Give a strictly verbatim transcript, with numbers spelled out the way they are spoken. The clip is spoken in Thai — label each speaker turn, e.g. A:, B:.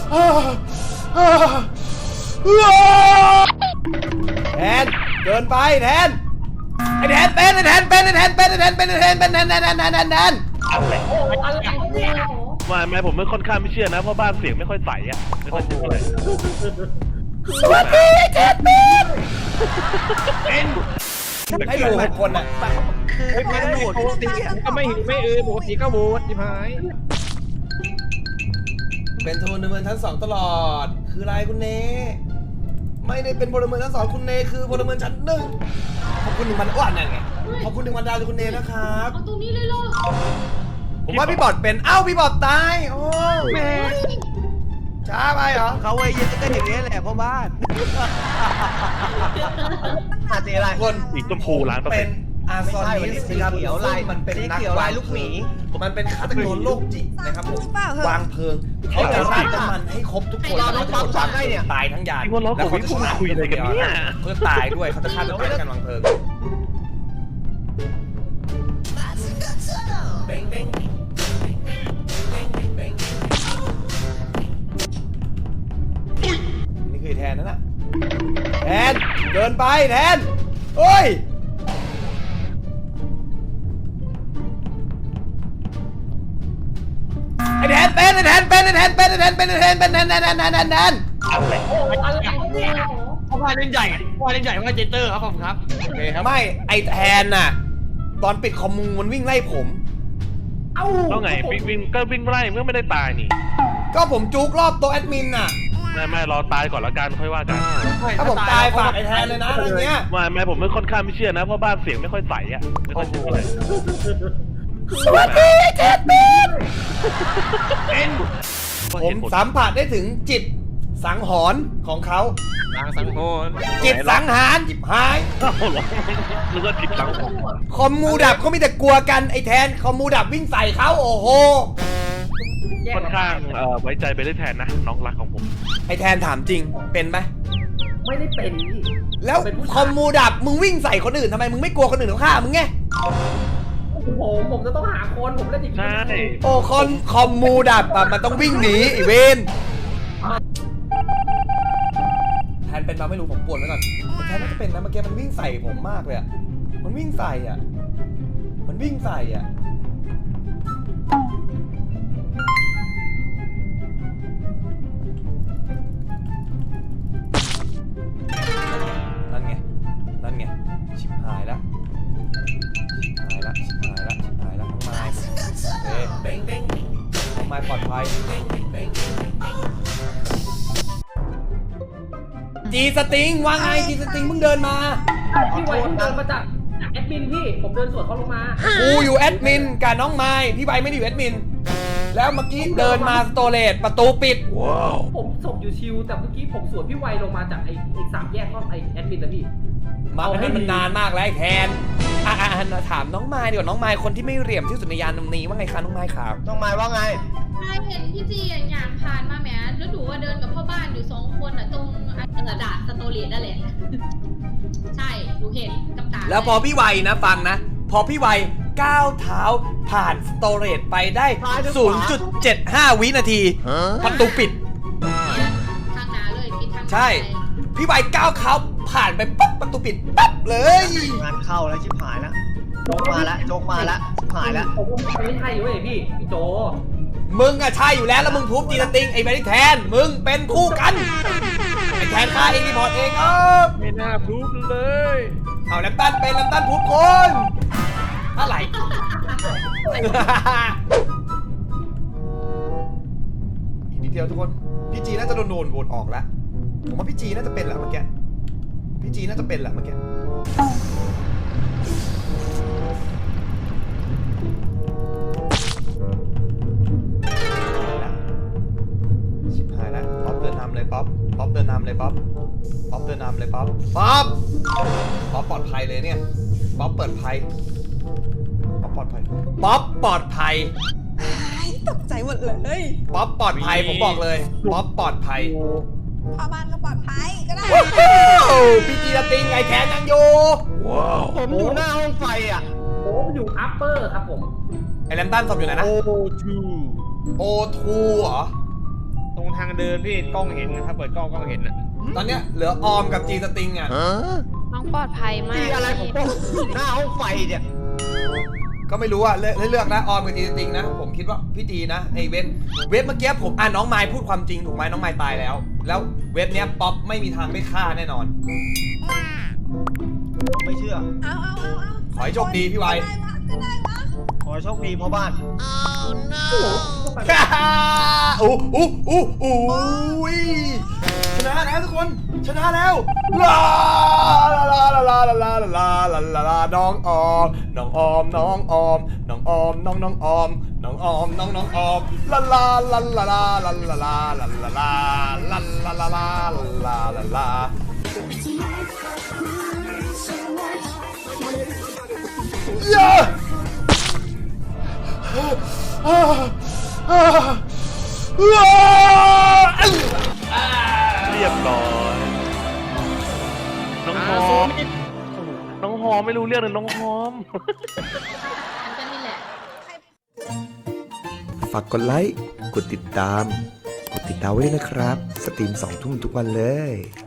A: แทนเกินไปแทนไอแทนเป็นไอแทนเป็นไอแทนเป็นไอแทนเป็นไอแทนเป็นแทนแทนแทนแทนแทนแทน
B: ไม่ไม่ผมไม่ค่อนข้างไม่เชื่อนะเพราะบ้านเสียงไม่ค่อยใสอ่ะไม่ค่อยเชื่อเลย
A: สวัสดีไอแทนเป็นเป็นให้ดูหกคนอ่ะ
C: คือไม่ได้โหวตปกติก็ไม่หิวไม่อือปกติก็โหวตที่พาย
A: เป็นพลเมืองชั้นสองตลอดคืออะไรคุณเนไม่ได้เป็นพลเมืองชั้นสองคุณเนคือพลเมืองชั้นหนึ่งขอบคุณหนึ่งพันอ้วนนั่นไงขอบคุณหนึ่งพันดาวจากคุณเนนะครับ
D: เอาตรงนี้เลยเหรอ
A: ผมว่าพี่บอดเป็นเอ้าพี่บอดตายโอ้แม่ช้าไปเหรอ
C: เขาไว้ยืนก็อย่างนี้แหละพ่อบ้านอาเจอะไร
A: คน
B: สีชมพูร้าน
A: เป็นอาซอนนิสนะครับ
C: เขียวลาย
A: มันเป็น
C: นักลายลูกหมี
A: มันเป็นฆาตกรโรคจิตนะครับผมวางเพลิงเขาจะราดน้ำมันให้ครบทุกคน
C: เราต้องฟังได้เนี่ย
A: ตายทั้งยาน
B: แล้วเขาจะคุยอะไรกันเนี่ย
A: เขาจะตายด้วยเขาจะฆ่าตัวตายด้วยการวางเพลิงนี่คือแทนนั่นแหละแทนเกินไปแทนโอ้ยไอแทนเป็นไอแทนเป็นไอแทนเป็นไอแทนเป็นไอแทนเป็นแทนแทนแทนแทนแทนแทน
C: พ่อบ้านเล่นใหญ่พ่อเล่นใหญ่ว่าเจเตอร์ครับผมครับโอเคครับ
A: ไม่ไอแทนน่ะตอนปิดคอมมูมันวิ่งไล่ผม
B: เอ้าแล้วไงวิ่งวิ่งก็วิ่งไล่เมื่อไม่ได้ตายนี่
A: ก็ผมจุกรอบโต๊ะแอดมินน่ะ
B: ไม่ไม่รอตายก่อนละกันค่อยว่ากัน
A: ถ้าผมตายฝากไอแทนเลยนะอะไรเงี้ย
B: ไม่ไม่ผมไม่ค่อนข้างไม่เชื่อนะเพราะบ้านเสียงไม่ค่อยใสอ่ะไม่ค่อยเชื่อเลย
A: สวัสดีไอแทนเป็นผมสัมผัสได้ถึงจิตสังหรณ์ของเขา
C: สังสังหรณ์
A: จิตสังหารจิบหาย
B: นึกว่าจิตสังหรณ์
A: คอมมูดับเขามีแต่กลัวกันไอแทนคอมมูดับวิ่งใส่เขาโอ้โห
B: ค่อนข้างไว้ใจไปได้แทนนะน้องรักของผม
A: ไอแทนถามจริงเป็นไหม
E: ไม่ได้เป็นนี่
A: แล้วคอมมูดับมึงวิ่งใส่คนอื่นทำไมมึงไม่กลัวคนอื่นเขาฆ่ามึงไง
E: ผมผมจะต้องหาคนผมเล่นอีก
B: ใช่
A: โอ้คนคอมมูดับอะมันต้องวิ่งหนีอีเวนแทนเป็นมาไม่รู้ผมปวดไว้ก่อนแทนน่าจะเป็นนะเมื่อกี้มันวิ่งใส่ผมมากเลยอะมันวิ่งใส่อะมันวิ่งใส่อะนั่นไงนั่นไงชิบหายแล้วหายละชิบหายละชิบหายละน้องไม้เฮ้น้องไม้ปลอดภัยจีสติงว่าไงจีสติงเพิ่งเดินมา
E: พี่ไวเพิ่งเดินมาจากแอดมินพี่ผมเดินสวนเขาลงมา
A: กูอยู่แอดมินกับน้องไม้พี่ไวไม่ได้อยู่แอดมินแล้วเมื่อกี้เดินมาสโตเลตประตูปิด
E: ผมส่งอยู่ชิวแต่เมื่อกี้ผมสวนพี่ไวลงมาจากไอ้ไอ้สามแยกห้องไอ้แอดมินนะพี่
A: มาเป็นมันนานมากแล้วไอ้แทนอ่ะอ่ะถามน้องไม้ดีกว่าน้องไม้คนที่ไม่เหลี่ยมที่สุดในยานนี้ว่าไงคะน้องไม้ครับ
C: น้องไม้ว่าไง
D: ไม้เห็นพี่จีอย่างผ่านมาแหมแล้วดูว่าเดินกับพ่อบ้านอยู่สองคนอ่ะตรงกระดาษสโตเรียนั่นแหละใช่ดูเห็นกับตา
A: แล้วพอพี่ไวนะฟังนะพอพี่ไวก้าวเท้าผ่านสโตเรจไปได้ ศูนย์จุดเจ็ดห้า วินาทีประตูปิด
D: ทางหนาเลยปิดทาง
A: ใช่พี่ไวก้าวเขาผ่านไปปั๊บประตูปิดปั๊บเลย
C: งานเข้าแล้วชิบหายแล้วโจกมาแล้วโจกมาแล้วชิบหายแล้ว
E: ผมไม่ใช่เว้ยพี่พี่โจ
A: มึงอะใช่อยู่แล้วแล้วมึงทุบจีนติงไอ้แบริแทนมึงเป็นคู่กันไอ้แทนฆ่าเองรีพอร์ตเองเออ
C: ไม่น่าทุบเลย
A: เอาแลมตันเป็นแลมตันทุบคนอะไรอีกนิดเดียวทุกคนพี่จีน่าจะโดนโดนโหวตออกแล้วผมว่าพี่จีน่าจะเป็นแหละเมื่อกี้พี่จีน่าจะเป็นแหละเมื่อกี้ชิบหายแล้วป๊อปเดินนำเลยป๊อปป๊อปเดินนำเลยป๊อปป๊อปเดินนำเลยป๊อปป๊อปป๊อปปลอดภัยเลยเนี่ยป๊อปเปิดภัยป๊อปปลอดภัยป๊อปปลอดภัย
F: ตกใจหมดเลย
A: ป๊อปปลอดภัยผมบอกเลยป๊อปปลอดภัย
F: พ่อบ้านก็ปลอดภัยก็ได้
A: พี่จีติงไงแทนยังอยู่
C: ผมอยู่หน้าห้องไฟอ่ะ
E: ผมอยู่อัปเปอร์ครับผม
A: ไอแลมตันศพอยู่ไหนนะ
C: โอ ทู
A: โอ ทู เหรอ
C: ตรงทางเดินพี่กล้องเห็นถ้าเปิดกล้องกล้องเห็นอะ
A: ตอนเนี้ยเหลือออมกับจีสติงอ่ะ
G: น้องปลอดภัยมาก
C: พี่อะไรของกล้องหน้าห้องไฟเนี่ย
A: ก็ไม่รู้อ่ะเลือกเลือกนะออมกับจีสติงนะผมคิดว่าพี่จีนะไอเว็บเว็บเมื่อกี้ผมอ่ะน้องไมค์พูดความจริงถูกไหมน้องไมค์ตายแล้ว แล้วเว็บเนี้ยป๊อปไม่มีทางได้ฆ่าแน่นอน
H: ไม่เชื่อ
F: เอาเอาเอาเอา
A: ขอให้โชคดีพี่ไว
F: ก็ได้วะก็ได้วะ
H: ขอให้โชคดีพ่อบ้าน
A: อู้อู้อู้อู้ยชนะแล้วทุกคนชนะแล้วลาลาลาลาลาลาลาลาลาลาน้องออมน้องออมน้องออมน้องออมน้องน้องออมน้องออมน้องน้องออมลาลาลาลาลาลาลาลาลาลาลาลาลาลาลาลาลาลาลาเย้
B: เรียบร้อยน้องหอมน้องหอมไม่รู้เรื่องเลยน้องหอม
D: ฉันก็นี่แหละ
I: ฝากกดไลค์ กดติดตาม กดติดดาวไว้ด้วยนะครับ สตรีมสองทุ่มทุกวันเลย